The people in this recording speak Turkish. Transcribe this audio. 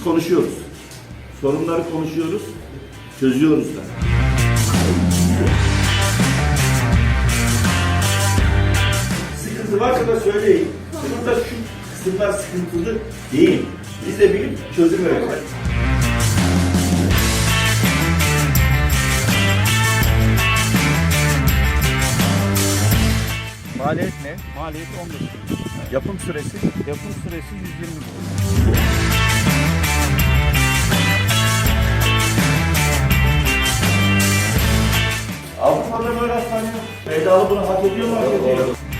Biz konuşuyoruz. Sorunları konuşuyoruz, çözüyoruz da. Sıkıntı varsa da söyleyin. Burada şu kısımlar sıkıntılı değil. Biz de bilip çözüm üreteceğiz. Maliyet ne? Maliyet 15 bin. Yapım süresi? Yapım süresi 120 gün. Avrupa'da böyle hastane yok. Bedava bunu hak ediyor mu? Hak ediyor.